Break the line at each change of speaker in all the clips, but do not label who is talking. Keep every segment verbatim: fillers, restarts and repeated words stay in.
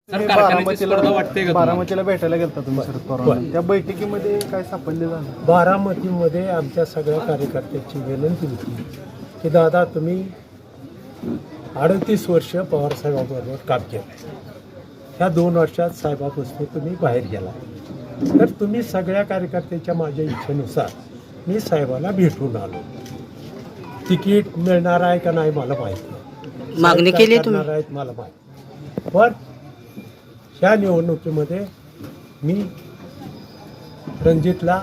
Sir, कारखान्याची स्पर्धा वाटते का तुम्हाला?
बारामतीला भेटायला गेलता तुम्ही शरद पवारांना, त्या बैठकीमध्ये काय सापडले झालं?
बारामतीमध्ये आमच्या सगळ्या कार्यकर्त्यांची विनंती होती की दादा तुम्ही अडतीस वर्ष पवारसाहेबांबरोबर काम केलं, ह्या दोन वर्षात साहेबापासून तुम्ही बाहेर गेला, तर तुम्ही सगळ्या कार्यकर्त्यांच्या माझ्या इच्छेनुसार मी साहेबाला भेटून आलो. तिकीट मिळणार आहे का नाही मला माहीत नाही,
मागणी
साहेब काय
केली
करणार आहेत मला माहीत, पण ह्या निवडणुकीमध्ये मी रणजितला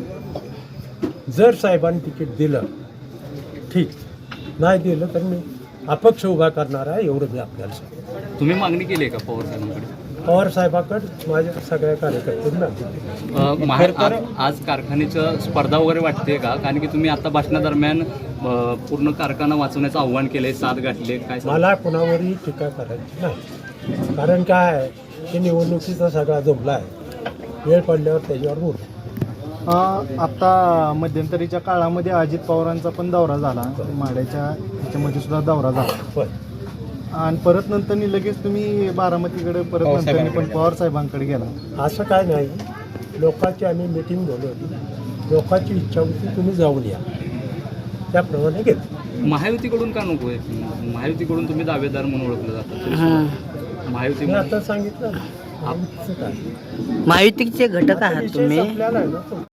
जर साहेबांनी तिकीट दिलं ठीक, नाही दिलं तर मी अपक्ष उभा करणार आहे, एवढं मी आपल्याला सांगतो.
तुम्ही मागणी केली आहे का पवार साहेबांकडे?
पवार साहेबाकडे माझ्या सगळ्या कार्यकर्त्यांना मागणी.
अ, माहेर आ- आज कारखान्याचं स्पर्धा वगैरे वाटते का? कारण की तुम्ही आता भाषणादरम्यान अ, पूर्ण कारखाना वाचवण्याचं आव्हान केलंय, साथ गाठले, काय सांगाल?
मला कुणावरही टीका करायची नाही, कारण काय आहे की निवडणुकीचा सगळा जमला आहे, वेळ पडल्यावर त्याच्यावर बोलू.
अं, आता मध्यंतरीच्या काळामध्ये अजित पवारांचा पण दौरा झाला, माड्याच्या ह्याच्यामध्ये सुद्धा दौरा झाला,
पण
आणि परत नंतर लगेच तुम्ही बारामतीकडे परत नंतर पण पवार साहेबांकडे गेला.
असं काय नाही, लोकांची आम्ही मिटिंग बोलवली, लोकांची इच्छा होती तुम्ही जाऊन या, त्याप्रमाणे घेतलं.
महायुतीकडून का नको आहे? महायुतीकडून तुम्ही दावेदार म्हणून ओळखलं जातं. महायुती
मी आता सांगितलं ना, आमचं काय
महायुतीचे घटक आहात
विषय
तुम्ही.
संपलेला आहे ना तो.